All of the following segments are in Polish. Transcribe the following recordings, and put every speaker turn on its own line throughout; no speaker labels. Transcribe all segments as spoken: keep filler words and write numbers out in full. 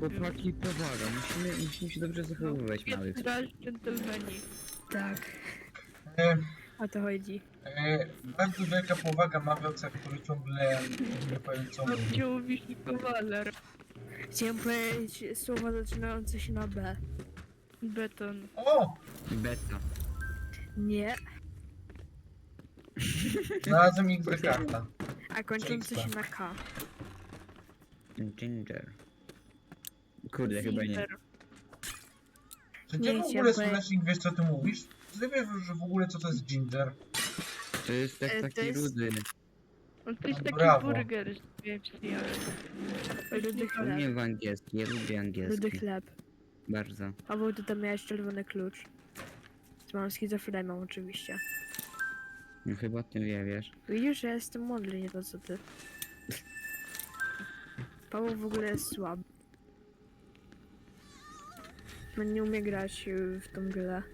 Chłopaki, powaga, musimy, musimy się dobrze zachowywać, mały.
Raz dżentelmeni.
Tak,
E,
o to chodzi.
e, bardzo wielka powaga Mawioca, który ciągle nie powiem co mówi.
Gdzie mówisz kawaler?
Chciałem powiedzieć słowa zaczynające się na B.
Beton.
O!
Beta.
Nie,
Znalazłem X D karta.
a kończące się na K.
Ginger. Kurde, chyba nie.
Ginger.
Czy ty
Nie
w ogóle,
chciałem
Słonecznik, wiesz co ty mówisz? Czy ty wiesz, że w ogóle co to jest ginger?
To jest tak,
E, to
taki
jest-
rudy.
On to jest
No
taki
brawo.
burger z K F C, ale...
Rudy
U
chleb.
mnie w angielski, ja lubię
Rudy
angielski.
chleb.
Bardzo.
Paweł, ty tam miałeś czerwony klucz. Z mam schizofrenią oczywiście.
No chyba o tym wie, wiesz.
Widzisz, że ja jestem mądry, nie to co ty. Paweł w ogóle jest słaby. On nie umie grać y, w tą grę.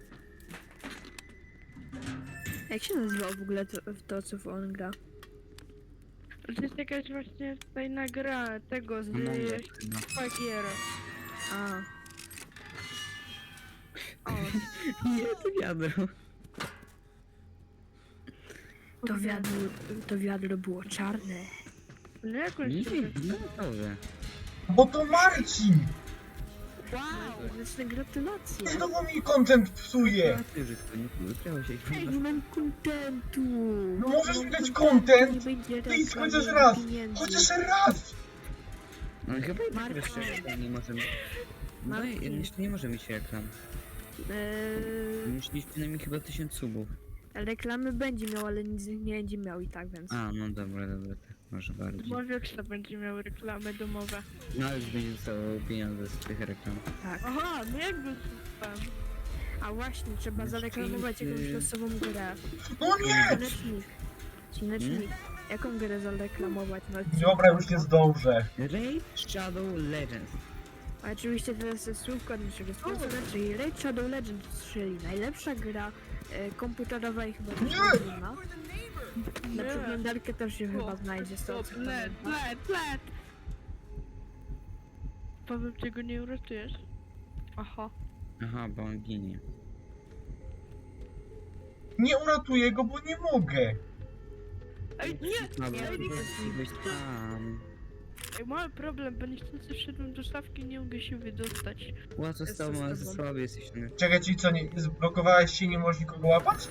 Jak się nazywa w ogóle to, to co on gra?
To jest jakaś właśnie fajna gra tego z
No, no, no.
Fagiera.
A. O,
Nie, to wiadro.
to wiadro, to wiadro było czarne.
No jak on
Nie,
się...
no dobrze.
Bo to Marcin!
Wow, znaczy gratulacje.
Znowu mi content psuje!
A ty, że to nie wyprało się.
Ej, nie mam kontentu.
No możesz
Nie
mi
mam
dać
kontentu,
content?
nie będzie
Please,
reklam,
chociaż
nie
raz!
pieniędzy.
Chociaż raz!
No chyba i tak
Marko.
jeszcze nie możemy. No i
Marcin.
jeszcze nie możemy się reklam.
Eee,
Musisz mieć przynajmniej chyba tysiąc subów.
reklamy będzie miał, ale nic z nich nie będzie miał i tak, więc.
A, no dobra, dobra, tak, może bardziej.
Mowioksa będzie miał reklamy domowe.
No ale już będzie dostawał pieniądze z tych reklam.
Tak.
Aha, no jakby słucham.
A właśnie, trzeba
Jeszcze
zareklamować jakąś
ty-
losową grę.
No nie!
Cinecznik. Cinecznik. Jaką grę zareklamować na odcinku?
Dobra, już nie zdążę.
Raid Shadow Legends.
A oczywiście teraz jest słówko od naszego sponsora, czyli Raid Shadow Legends, czyli najlepsza gra e, komputerowa i chyba też
Nie!
mobilna. Na
Nie.
przeglądarkę też się chyba znajdzie z tego co
Led,
pamiętam.
led, led! Paweł, ty go nie uratujesz? Aha.
Aha, bo on ginie.
Nie uratuję go, bo nie mogę.
Ej, nie!
No,
nie,
bo
nie,
byś tam.
Ej, mały problem, bo niestety wszedłem do szafki i nie mogę się wydostać.
Łatwo z tobą, ale za słaby jesteś. No.
Czekaj, czyli co, nie, zblokowałeś się i nie możesz nikogo łapać?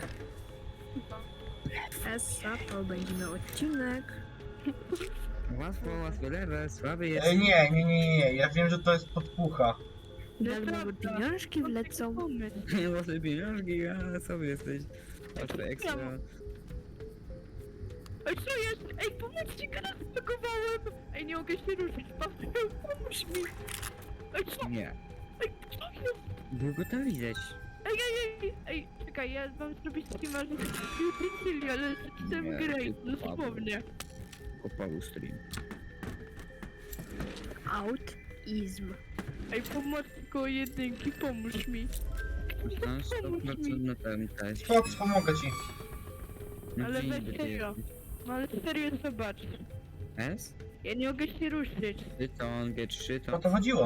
Essa, to będzie miał odcinek.
Łatwo, łatwo, lewe, słaby jest.
E, nie, nie, nie, nie, ja wiem, że to jest podpucha.
Darmowe
Nieprawda.
pieniążki wlecą.
Pomysł.
Łatwe pieniążki, a sobie jesteś. Patrz, ekstra.
Ej, co jest? Ej, pomóżcie, teraz zblokowałem! Ej, nie mogę się ruszyć, Paweł, pomóż mi! Ej, co?
Nie.
Ej, co jest?
Było go tam widać.
Ej, ej, ej, ej, czekaj, ja mam zrobić streama, że utensyli, ale jestem
Nie,
grey,
ty
dosłownie.
Kopał stream.
Autism.
Ej, pomocy koło jedynki, pomóż mi.
No, stop, no co na ten też.
Fox, pomogę ci.
No
Ale
gdzie
weź
niby ty
serio.
jesteś?
No ale serio, zobacz.
S?
Ja nie mogę się ruszyć.
Tyton, G trzy,
O
to...
to chodziło.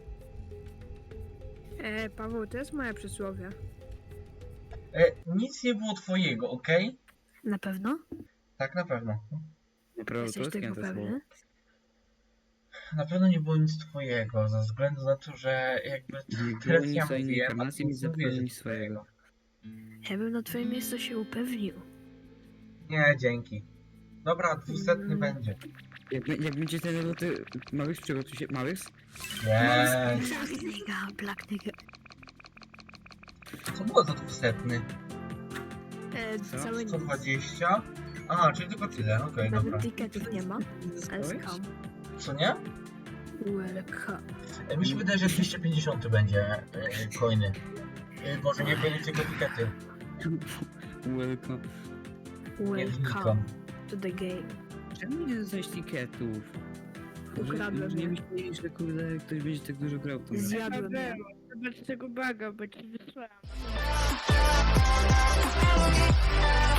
E, Paweł, to jest moje przysłowie.
E, nic nie było twojego, okej?
Na pewno?
Tak, na pewno.
Prawo
Jesteś
polskie
tego
to słowo.
pewny?
Na pewno nie było nic twojego, ze względu na to, że jakby
Nie było
teraz
nic
ja
swojej
mówiłem, a
informacji,
ty
mi
nic nie
zapewne
mówiłeś
nic swojego.
Ja bym na twoim miejscu się upewnił.
Nie, dzięki. Dobra, dwusetny
Mm.
będzie.
Jak, jak będzie ten luty... Małych przygotuj się... Małych?
Nie.
Black nigga, black nigga.
Co było za dwusetny?
E,
Co?
całe
sto
nic.
dwadzieścia? A, czyli tylko tyle, okej, dobra.
Nawet ticketów nie ma. Ale skam.
Co nie?
Welcome.
E, Mi się wydaje, że dwieście pięćdziesiąt będzie e, coiny. E, Boże, nie będzie tylko tikety.
Welcome.
Nie
Welcome
wnikam.
to the game.
Czemu nie dostałeś tiketów? Może,
Ukradłem
może nie
je.
myśleli, że kurde ktoś będzie tak dużo grał w tą grę.
Zjadłem je.
Paweł, zobacz tego baga, bo ci wysłałem.